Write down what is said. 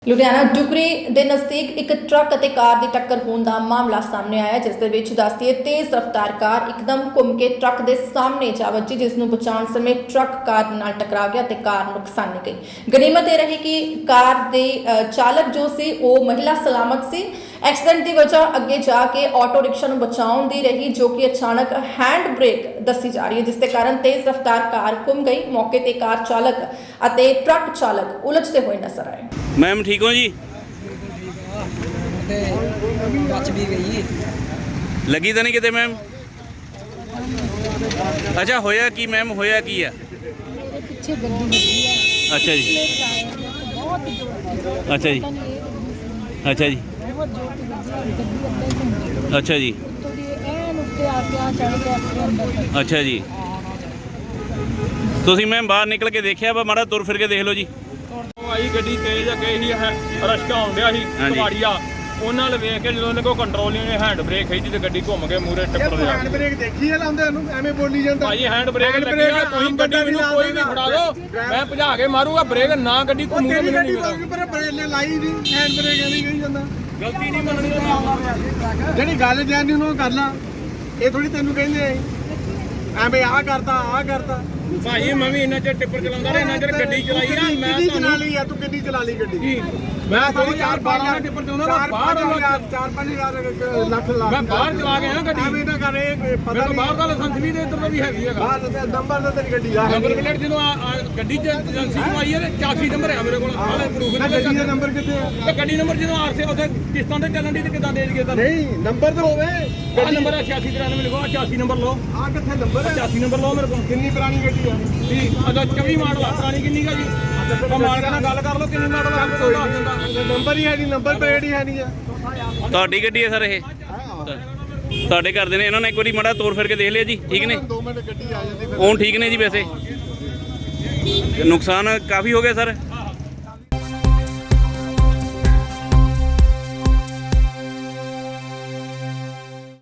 ਲੁਧਿਆਣਾ ਡੁਗਰੀ ਦੇ ਨਜ਼ਦੀਕ ਇੱਕ ਟਰੱਕ ਅਤੇ ਕਾਰ ਦੀ ਟੱਕਰ ਹੋਣ ਦਾ ਮਾਮਲਾ ਸਾਹਮਣੇ ਆਇਆ, ਜਿਸ ਦੇ ਵਿੱਚ ਦੱਸਦੀਏ ਤੇਜ਼ ਰਫ਼ਤਾਰ ਕਾਰ ਇੱਕਦਮ ਘੁੰਮ ਕੇ ਟਰੱਕ ਦੇ ਸਾਹਮਣੇ ਜਾ ਵੱਜੀ, ਜਿਸ ਨੂੰ ਬਚਾਉਣ ਸਮੇਂ ਟਰੱਕ ਕਾਰ ਨਾਲ ਟਕਰਾ ਗਿਆ ਤੇ ਕਾਰ ਨੁਕਸਾਨੀ ਗਈ। ਗਨੀਮਤ ਇਹ ਰਹੀ ਕਿ ਕਾਰ ਦੇ ਚਾਲਕ ਜੋ ਸੀ ਉਹ ਮਹਿਲਾ ਸਲਾਮਤ ਸੀ। ਐਕਸੀਡੈਂਟ ਦੀ ਵਜ੍ਹਾ ਅੱਗੇ ਜਾ ਕੇ ਆਟੋ ਰਿਕਸ਼ਾ ਨੂੰ ਬਚਾਉਣ ਦੀ ਰਹੀ, ਜੋ ਕਿ ਅਚਾਨਕ ਹੈਂਡ ਬ੍ਰੇਕ ਦੱਸੀ ਜਾ ਰਹੀ ਹੈ, ਜਿਸ ਦੇ ਕਾਰਨ ਤੇਜ਼ ਰਫ਼ਤਾਰ ਕਾਰ ਘੁੰਮ ਗਈ। ਮੌਕੇ ਤੇ ਕਾਰ ਚਾਲਕ ਅਤੇ ਟਰੱਕ ਚਾਲਕ ਉਲਝਦੇ ਹੋਏ ਨਜ਼ਰ ਆਏ। मैम ठीक हो जी? बच भी गई। लगी तो नहीं किते मैम? अच्छा होया की मैम, होया की है? ਪਿੱਛੇ ਗੱਡੀ ਲੱਗੀ ਹੈ। अच्छा जी, ਬਹੁਤ ਜ਼ੋਰ अच्छा जी, अच्छा जी, ਬਹੁਤ ਜ਼ੋਰ ਦੀ ਗੱਡੀ ਅੱਧੇ ਘੰਟੇ अच्छा जी, ਥੋੜੀ ਐਨ ਉੱਤੇ ਆ ਕੇ ਆ ਚੜ ਗਿਆ ਆਪਣੇ ਅੰਦਰ ਤੱਕ। अच्छा जी। ਤੁਸੀਂ ਮੈਮ ਬਾਹਰ ਨਿਕਲ ਕੇ ਦੇਖਿਆ ਵਾ, ਮਾੜਾ ਤੁਰ ਫਿਰ ਕੇ ਦੇਖ ਲਓ ਜੀ। ਆਈ ਗੱਡੀ ਤੇਜ਼ ਅੱਗੇ ਹੀ ਰਸ਼ਕਾ ਆਉਂਦਿਆ ਸੀ ਹਾਂਜੀ। ਕਵਾੜੀਆ, ਉਹਨਾਂ ਨੇ ਵੇਖ ਕੇ ਜਦੋਂ ਉਹਨੇ ਕੋਈ ਕੰਟਰੋਲ ਨਹੀਂ, ਉਹਨੇ ਹੈਂਡ ਬ੍ਰੇਕ ਖਿੱਚੀ ਤੇ ਗੱਡੀ ਘੁੰਮ ਕੇ ਮੂਰੇ ਟੱਕਰ ਲਿਆ। ਹੈਂਡ ਬ੍ਰੇਕ ਦੇਖੀ ਆ ਲਾਉਂਦੇ ਉਹਨੂੰ, ਐਵੇਂ ਬੋਲੀ ਜਾਂਦਾ ਭਾਈ ਹੈਂਡ ਬ੍ਰੇਕ ਲੱਗੀ ਆ, ਤੁਸੀਂ ਗੱਡੀ ਮੈਨੂੰ ਕੋਈ ਵੀ ਫੜਾ ਦਿਓ, ਮੈਂ ਭਜਾ ਕੇ ਮਾਰੂਗਾ ਬ੍ਰੇਕ, ਨਾ ਗੱਡੀ ਘੁੰਮੂਗੀ ਤੇਰੀ ਮੈਨੂੰ ਗੱਡੀ ਨਹੀਂ ਪਤਾ। ਪਰ ਬ੍ਰੇਕ ਲਾਈ ਨਹੀਂ, ਹੈਂਡ ਬ੍ਰੇਕ ਨਹੀਂ ਕਹੀ ਜਾਂਦਾ। ਗਲਤੀ ਨਹੀਂ ਮੰਨਣੀ। ਜਿਹੜੀ ਗੱਲ ਜਾਣੀ ਉਹਨੂੰ ਕਰ ਲਾ, ਇਹ ਥੋੜੀ ਤੈਨੂੰ ਕਹਿੰਦੇ ਐਵੇਂ ਆਹ ਕਰਤਾ। ਭਾਈ ਮੈਂ ਵੀ ਇੰਨਾ ਚਿਰ ਟਿੱਪਰ ਚਲਾਉਂਦਾ ਰਿਹਾ, ਇੰਨਾ ਚਿਰ ਗੱਡੀ ਚਲਾਈ ਆ ਮੈਂ। ਕਿੰਨੀ ਚਲਾ ਲਈ ਆ ਤੂੰ, ਕਿੰਨੀ ਚਲਾ ਲਈ ਗੱਡੀ? ਮੈਂ ਥੋੜੀ 4-5 ਟਿੱਪਰ ਚਲਾਉਂਦਾ, ਬਾਹਰ 4-5 ਲੱਖ ਲਾ ਮੈਂ ਬਾਹਰ ਚਲਾ ਕੇ ਆਇਆ ਗੱਡੀ। ਐਵੇਂ ਨਾ ਕਰ, ਇਹ ਪਤਾ ਮੈਨੂੰ ਨਹੀਂ ਬਾਹਰ ਦਾ ਲਾਇਸੈਂਸ ਵੀ ਤੇ ਇੱਧਰ ਦਾ ਵੀ ਹੈਗੀ ਹੈਗਾ। ਬਾਹਰ ਤੇ ਨੰਬਰ ਤਾਂ ਤੇਰੀ ਗੱਡੀ ਦਾ ਨੰਬਰ ਪਲੇਟ ਜਦੋਂ ਗੱਡੀ ਚ ਏਜੰਸੀ ਨੂੰ ਆਈ ਹੈ ਤੇ 84 ਨੰਬਰ ਹੈ ਮੇਰੇ ਕੋਲ, ਆਹ ਪ੍ਰੂਫ ਨਾ ਗੱਡੀ ਦਾ ਨੰਬਰ ਕਿੱਥੇ ਆ? ਤੇ ਗੱਡੀ ਨੰਬਰ ਜਦੋਂ ਆਰਸੇ ਉੱਥੇ ਕਿਸ਼ਤਾਂ ਤੇ ਚੱਲਣ ਦੀ ਤੇ ਕਿੱਦਾਂ ਦੇ ਦਈਏ ਤੁਹਾਨੂੰ? ਨਹੀਂ ਨੰਬਰ ਤਾਂ ਹੋਵੇ। ਗੱਡੀ ਨੰਬਰ 8693 ਲਿਖੋ, 86 ਨੰਬਰ ਲਓ, ਆ ਕਿੱਥੇ ਨੰਬਰ ਹੈ? 86 ਨੰਬਰ ਲਓ ਮੇਰੇ ਕੋਲ। ਕਿੰਨੀ ਪੁਰਾਣੀ ਗੱਡੀ ਆ? ਅਜਾ 24 ਮਾਡਲ ਆ, ਪੁਰਾਣੀ ਕਿੰਨੀ ਕਾ ਜੀ? ਮਾਲਕ ਨਾਲ ਗੱਲ ਕਰ ਲਓ ਕਿੰਨੀ ਮਾਡਲ ਆ, ਕੋਈ ਦੱਸ ਦਿੰਦਾ। ਨੰਬਰ ਹੀ ਹੈ ਨਹੀਂ, ਨੰਬਰ ਪਲੇਟ ਹੀ ਹੈ ਨਹੀਂ ਆ। ਤੁਹਾਡੀ ਗੱਡੀ ਹੈ ਸਰ ਇਹ? ਤੁਹਾਡੇ ਘਰ ਦੇ ਨੇ, ਇਹਨਾਂ ਨੇ ਇੱਕ ਵਾਰੀ ਮਾੜਾ ਤੋਰ ਫਿਰ ਕੇ ਦੇਖ ਲਿਆ ਜੀ, ਠੀਕ ਨੇ? 2 ਮਿੰਟ ਗੱਡੀ ਆ ਜਾਂਦੀ ਫਿਰ। ਹੁਣ ਠੀਕ ਨੇ ਜੀ? ਵੈਸੇ ਨੁਕਸਾਨ ਕਾਫੀ ਹੋ ਗਿਆ ਸਰ।